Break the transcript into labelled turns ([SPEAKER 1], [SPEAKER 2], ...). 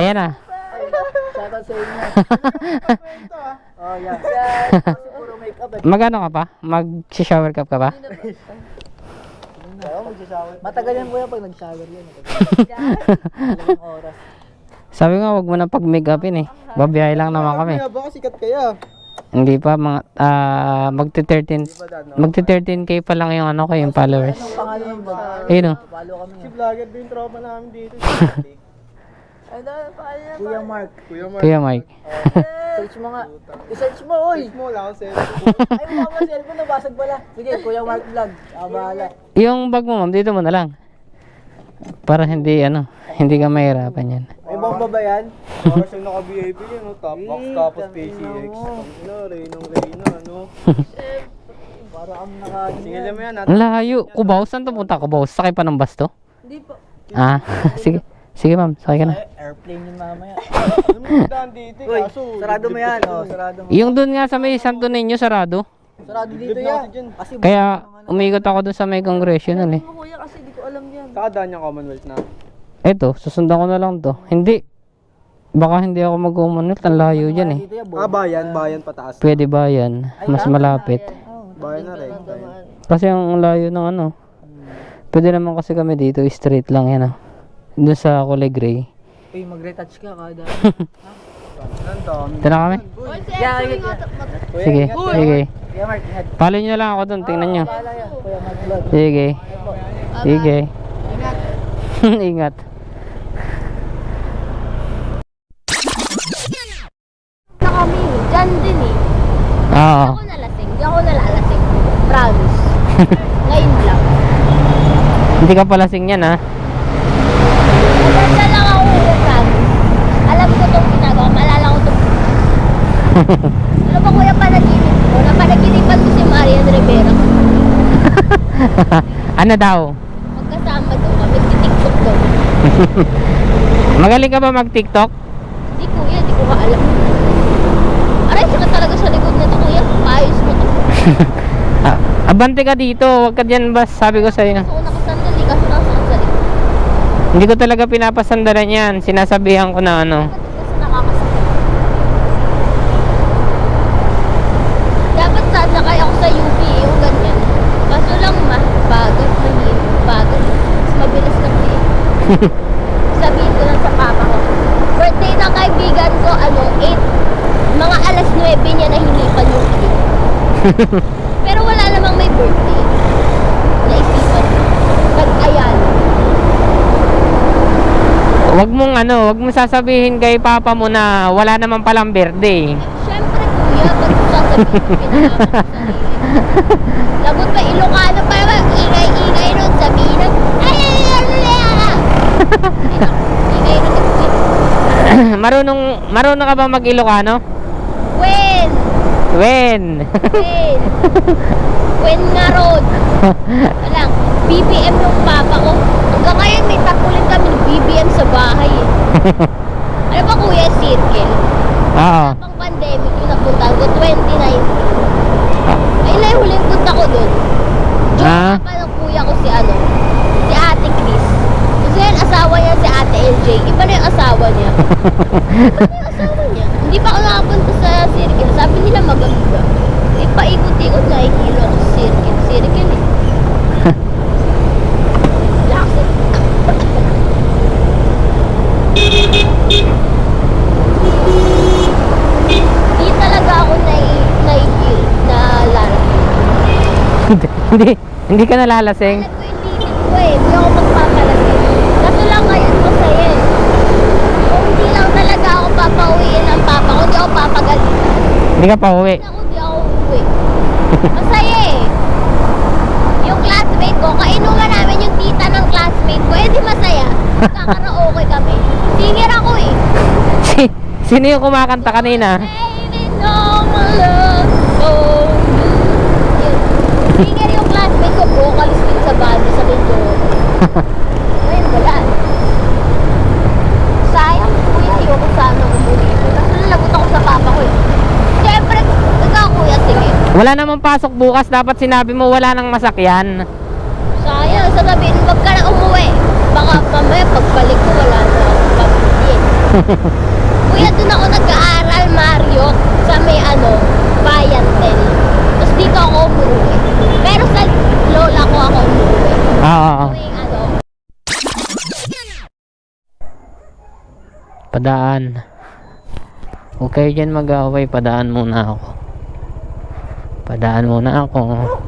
[SPEAKER 1] Ayan na.
[SPEAKER 2] Shoutout sa inyo. Oh, yeah. Puro makeup eh.
[SPEAKER 1] Magano ka pa? Mag-shower cap ka pa?
[SPEAKER 2] Matagal yan kuya pag nag-shower yan. Ilang oras.
[SPEAKER 1] Sabi nga, wag mo na pag-make-upin eh. Babiyahe lang naman kami.
[SPEAKER 3] Baka sikat kaya.
[SPEAKER 1] Hindi pa, mga, magti-13K pa lang yung ano ko, yung followers.
[SPEAKER 2] Anong pangalan ng vlog?
[SPEAKER 1] Ayun o.
[SPEAKER 2] Follow kami.
[SPEAKER 3] Si vlogger din tropa namin dito.
[SPEAKER 2] Kuya Mark.
[SPEAKER 1] Kuya Mike.
[SPEAKER 2] Search mo nga. I-search mo, oy!
[SPEAKER 3] Mo lang ako
[SPEAKER 2] Ay, mukha mo cellphone, nabasag pala. Sige, Kuya Mark vlog. Bahala.
[SPEAKER 1] Yung bag mo, ma'am, dito mo na lang. Para hindi, hindi ka mahirapan yan.
[SPEAKER 2] May bomba ba yan?
[SPEAKER 3] Para siyang naka-VIP yun, no? Top box tapos PCX. Reyna, ano?
[SPEAKER 2] Para kami naka...
[SPEAKER 3] Singilan mo yan, ha?
[SPEAKER 1] Ang layo. Cubao? Saan to punta? Cubao? Sakay pa ng bus to?
[SPEAKER 2] Hindi po.
[SPEAKER 1] Ah, sige. Sige ma'am, sakay ka na.
[SPEAKER 2] Airplane yun mamaya.
[SPEAKER 3] Ano mo yung daan dito?
[SPEAKER 2] Uy,
[SPEAKER 3] Kaso,
[SPEAKER 2] sarado mo yan. Oh, sarado mo.
[SPEAKER 1] Yung dun nga sa may Santo Niño, sarado.
[SPEAKER 2] Sarado dito
[SPEAKER 3] Libre na
[SPEAKER 2] yan.
[SPEAKER 3] kasi dyan.
[SPEAKER 2] Kasi
[SPEAKER 1] Kaya umikot ako dun sa may congressional eh.
[SPEAKER 2] kuya kasi di ko alam yan.
[SPEAKER 3] Saka daan yung Commonwealth na.
[SPEAKER 1] Eto, susundan ko na lang to. Hindi. Baka hindi ako mag-umunot. Ang layo dyan eh.
[SPEAKER 2] Dito yan,
[SPEAKER 3] Bayan pataas.
[SPEAKER 1] Pwede ba yan? Mas malapit.
[SPEAKER 3] Bayan na rin.
[SPEAKER 1] Kasi ang layo ng ano. Pwede naman kasi kami dito, straight lang yan Doon sa kulay gray.
[SPEAKER 2] Uy, mag-retouch ka kada.
[SPEAKER 3] Ang dami.
[SPEAKER 1] Ito na kami?
[SPEAKER 2] Yeah,
[SPEAKER 1] Sige, sige.
[SPEAKER 2] Kuya Mark, ingat.
[SPEAKER 1] Follow nyo lang ako doon, tingnan nyo.
[SPEAKER 2] Bahala yan. Kuya Mark vlog.
[SPEAKER 1] Sige. Sige. Ingat.
[SPEAKER 4] Na kami, dyan din eh.
[SPEAKER 1] Oo.
[SPEAKER 4] Ako nalasing, di ako nalalasing. Promise. Ngayon lang.
[SPEAKER 1] Hindi ka palasing yan
[SPEAKER 4] Maganda lang ako, promise. Alam ko itong ginagawa, maalala ko itong... Ano ba kuya panaginip ko? Napanaginipan ko si Marian Rivera.
[SPEAKER 1] Ano daw?
[SPEAKER 4] Magkasama doon kami, titiktok doon.
[SPEAKER 1] Magaling ka ba mag-TikTok?
[SPEAKER 4] Di kuya, di ko ka alam. Aray, saka talaga sa likod na ito kuya. Paayos mo to.
[SPEAKER 1] Abante ka dito, wag ka dyan bas, sabi ko sa'yo.
[SPEAKER 4] Gusto ko nakasandali kasi nakasakot sa likod.
[SPEAKER 1] Hindi ko talaga pinapasandalan yan, sinasabihan ko na
[SPEAKER 4] Kasi nakakasakot. Dapat sasakay ako sa UP, yung ganyan. Kaso lang bagat, mahirap, bagat. Mas mabilis lang eh. Sabihin ko lang sa papa ko. Birthday ng kaibigan ko, 8, mga alas 9 niya nahinipan yung cake. Pero wala namang may birthday. Naisipan ko. Nag-ayan.
[SPEAKER 1] Wag mong sasabihin kay papa mo na wala naman palang birthday.
[SPEAKER 4] Siyempre kuya, ba't ko sasabihin ko pinalaman ko sarili? Lagot pa Ilocano pa naman, ingay-ingay nun, sabihin nun, ingay nun,
[SPEAKER 1] Marunong ka ba mag-Ilocano?
[SPEAKER 4] When nga ron. Walang, BBM ng papa ko. Hanggang ngayon may takulin kami ng BBM sa bahay eh. Ano ba kuya, circle?
[SPEAKER 1] Oo.
[SPEAKER 4] Pang pandemic yung napunta ko, 2019. Ayun na yung huling punta ko dun.
[SPEAKER 1] Ah?
[SPEAKER 4] Joke pa ng kuya ko si Ate Chris. Kasi yun, asawa niya si Ate LJ. Iba na yung asawa niya. Hindi pa ako nakapunta sa circle. Sabi nila maganda. Paikot-ikot na ihilo ako sa circle. Circle eh. Laksit. Hindi talaga ako naihil na lalasing.
[SPEAKER 1] Hindi ka nalalasing.
[SPEAKER 4] Alam ko yung limit ko eh. Hindi ako magpapalasing. Kaso lang ngayon masaya eh. Kung hindi lang talaga ako papauwiin ng papa ko, hindi ako papagalitan.
[SPEAKER 1] Hindi ka pa uwi.
[SPEAKER 4] Hindi ako uuwi. Masaya eh. Yung classmate ko, kainuman namin yung tita ng classmate ko, eh di masaya. Kakaraoke kami. Singer ako eh.
[SPEAKER 1] Sino yung kumakanta kanina?
[SPEAKER 4] Baby, no more love for you. Yun. Singer yung classmate ko, vocalist din sa band sa Mindoro. Ngayon, wala. Sayang, kuya, ayoko sana umuwi. Kasi nalagot ako sa papa ko eh. Siyempre, ikaw kuya, sige.
[SPEAKER 1] Wala namang pasok bukas, dapat sinabi mo wala nang masakyan.
[SPEAKER 4] Sayang, sasabihin, wag ka na umuwi. Baka mamaya pagbalik ko, wala na akong pamilya. Kuya, doon ako nag-aaral, Mario, sa may Bayantel. Tapos dito ako umuwi. Pero sa lola ko ako umuwi. May
[SPEAKER 1] Padaan. Okay dyan mag-away, padaan muna ako.